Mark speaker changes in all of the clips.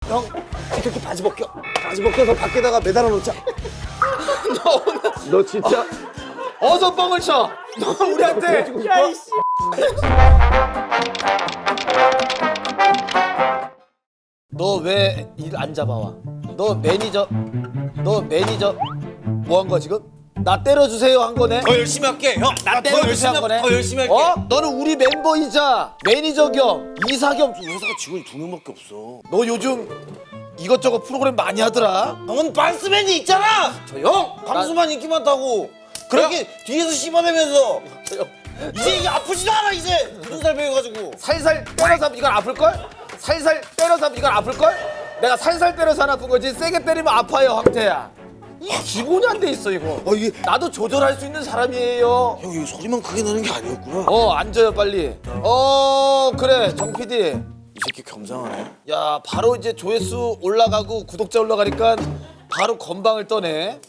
Speaker 1: 형, 이 새끼 바지 벗겨서 밖에다가 매달아 놓자.
Speaker 2: 너 오늘
Speaker 1: 너 진짜
Speaker 2: 어서 뻥을 쳐. 너 우리한테
Speaker 1: 야 이씨.
Speaker 2: 너 왜 일 안 잡아와? 너 매니저 뭐 한 거야 지금? 나 때려주세요 한 거네?
Speaker 3: 더 열심히 할게 형.
Speaker 2: 나 때려주세요 한 거네?
Speaker 3: 더 열심히 할게.
Speaker 2: 어? 너는 우리 멤버이자 매니저 겸 이사 겸
Speaker 3: 회사가 직원이 2명밖에 없어.
Speaker 2: 너 요즘 이것저것 프로그램 많이 하더라.
Speaker 3: 형은 반스맨이 있잖아. 형 광수만 인기 많다고. 그렇게 뒤에서 씹어내면서 이제 이게 아프지도 않아 이제. 무슨 살 배워가지고.
Speaker 2: 살살 때려서 하면 이건 아플걸? 살살 때려서 하면 이건 아플걸? 내가 살살 때려서 안 아픈 거지 세게 때리면 아파요 황태야. 이 기본이 안 돼 있어 이거.
Speaker 3: 이게
Speaker 2: 나도 조절할 수 있는 사람이에요.
Speaker 3: 형 이거 소리만 크게 나는 게 아니었구나.
Speaker 2: 앉아요 빨리. 그래 정 PD.
Speaker 3: 이 새끼 겸상하네.
Speaker 2: 야 바로 이제 조회수 올라가고 구독자 올라가니까 바로 건방을 떠네.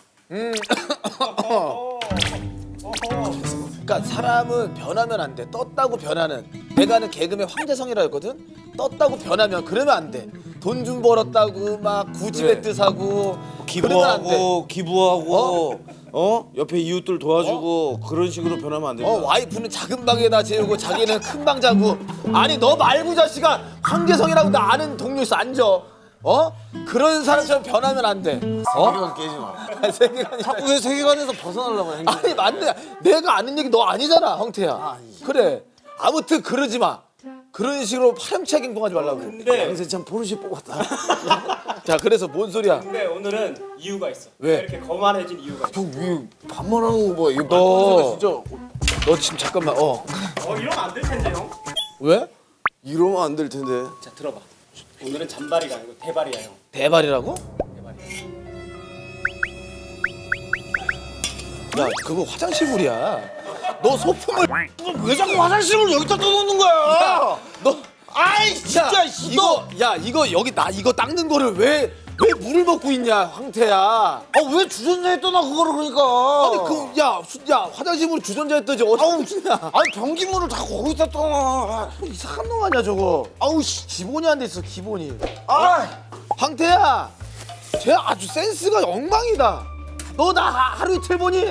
Speaker 2: 그러니까 사람은 변하면 안 돼. 떴다고 변하는. 내가 아는 개그맨 황재성이라 했거든. 떴다고 변하면 그러면 안 돼. 돈 좀 벌었다고 막 구집애 뜻하고 그러면 안 돼.
Speaker 3: 기부하고 옆에 이웃들 도와주고 그런 식으로 변하면 안 된다.
Speaker 2: 와이프는 작은 방에다 재우고 자기는 큰 방 자고. 아니 너 말고 자식아 황재성이라고 나 아는 동료 있어 앉아. 그런 사람처럼 변하면 안 돼.
Speaker 3: 세계관 깨지 마.
Speaker 2: 세계관이
Speaker 3: 자꾸 왜 세계관에서 벗어나려고 해?
Speaker 2: 아니 맞네. 내가 아는 얘기 너 아니잖아 황태야. 그래. 아무튼 그러지 마. 그런 식으로 파렴치하게 행동하지 말라고.
Speaker 3: 근데 양세 참 포르쉐 뽑았다.
Speaker 2: 자 그래서 뭔 소리야?
Speaker 4: 근데 오늘은 이유가 있어.
Speaker 2: 왜?
Speaker 4: 이렇게 거만해진 이유가 있어.
Speaker 3: 형 반말하는 거 봐. 이거
Speaker 2: 너
Speaker 3: 진짜
Speaker 2: 너 지금 잠깐만
Speaker 4: 이러면 안 될 텐데 형.
Speaker 2: 왜?
Speaker 3: 이러면 안 될 텐데.
Speaker 4: 자 들어봐. 오늘은 잔발이가 아니고 대발이야 형.
Speaker 2: 대발이라고?
Speaker 4: 대발이.
Speaker 2: 야 그거 화장실 물이야. 너 소품을
Speaker 3: 왜 자꾸 화장실을 여기다 떠놓는 거야?
Speaker 2: 너
Speaker 3: 아이 진짜
Speaker 2: 이거 여기 나 이거 닦는 거를 왜 물을 먹고 있냐 황태야.
Speaker 3: 왜 주전자에 떠나 그거를 그러니까.
Speaker 2: 아니 야 화장실 물 주전자에 뜨지 어디냐.
Speaker 3: 아니 변기물을 다 거기다 떠나.
Speaker 2: 이상한 놈 아니야 저거. 아우 씨 기본이 안 돼 있어 기본이.
Speaker 3: 아
Speaker 2: 황태야 쟤 아주 센스가 엉망이다. 너 나 하루 이틀 보니?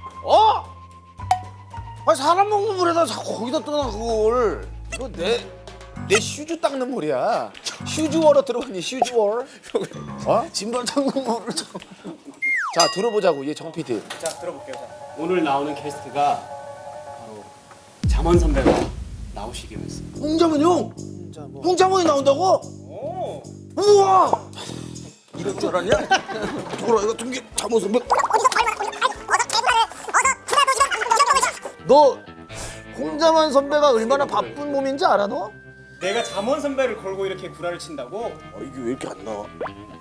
Speaker 3: 아니 사람 먹는 물에다 자꾸 거기다 떠나 그걸.
Speaker 2: 너 내 슈즈 닦는 물이야. 슈즈워러 들어봤니 슈즈워러?
Speaker 3: 진발 잠근 물을 자.
Speaker 2: 자 들어보자고 얘 정 PD.
Speaker 4: 자 들어볼게요. 자. 오늘 나오는 게스트가 바로 잠원 선배가 나오시기로 했어.
Speaker 3: 홍자문 형. 홍자문이 나온다고?
Speaker 4: 오.
Speaker 3: 우와. 이럴 줄 알았냐? 저거라 이거 등기 잠옷 선배.
Speaker 2: 너 홍자만 선배가 얼마나 바쁜 몸인지 알아 너?
Speaker 4: 내가 잠원 선배를 걸고 이렇게 구라를 친다고?
Speaker 3: 이게 왜 이렇게 안 나와?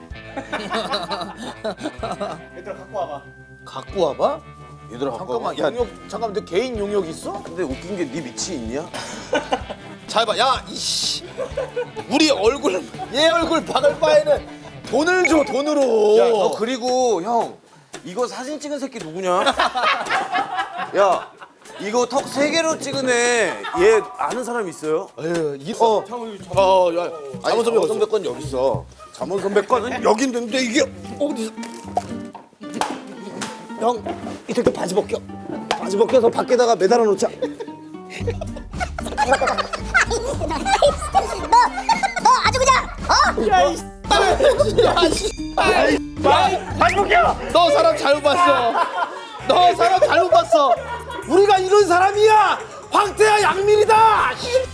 Speaker 4: 얘들아 갖고 와봐.
Speaker 2: 갖고 와봐?
Speaker 3: 얘들아
Speaker 2: 잠깐만
Speaker 3: 야
Speaker 2: 용역 잠깐만 너 개인 용역 있어?
Speaker 3: 근데 웃긴 게 네 밑이 있냐?
Speaker 2: 잘 봐. 야 이씨 우리 얼굴 얘 얼굴 박을 바에는 돈을 줘 돈으로.
Speaker 3: 야 너 그리고 형 이거 사진 찍은 새끼 누구냐? 야 이거 턱 3개로 찍은 애얘 아는 사람 있어요?
Speaker 2: 에휴 있어.
Speaker 3: 야
Speaker 2: 잠원 선배
Speaker 3: 선배 건 여기 있어. 잠원 선배 거는 여기 있는데 이게 어디서?
Speaker 1: 형, 이 새끼 바지 벗겨서 밖에다가 매달아 놓자.
Speaker 5: 너 아주 그냥
Speaker 2: 너 사람 잘못 봤어. 너 사람 잘못 봤어. 우리가 이런 사람이야. 황태야 양민이다.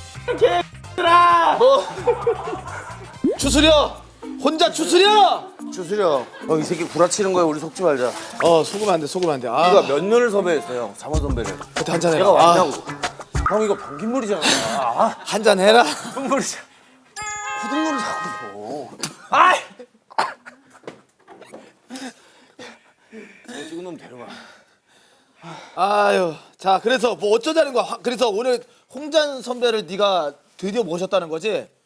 Speaker 2: 개들아. 너 추스려. 혼자 추스려.
Speaker 3: 주수려. 이 새끼 구라치는 거야. 우리 속지 말자.
Speaker 2: 속으면 안 돼. 속으면 안 돼. 아,
Speaker 3: 우리가 몇 년을 섭외했어요. 잠원 선배를.
Speaker 2: 그때 한잔 해라.
Speaker 3: 내가 왔냐고. 형 이거 변기물이잖아.
Speaker 2: 한잔 해라.
Speaker 3: 흙물이잖아. 후등물을 자꾸 줘.
Speaker 2: 아이.
Speaker 3: 찍은 놈 데려가.
Speaker 2: 아유. 자, 그래서 뭐 어쩌자는 거야. 그래서 오늘 홍잔 선배를 네가 드디어 모셨다는 거지?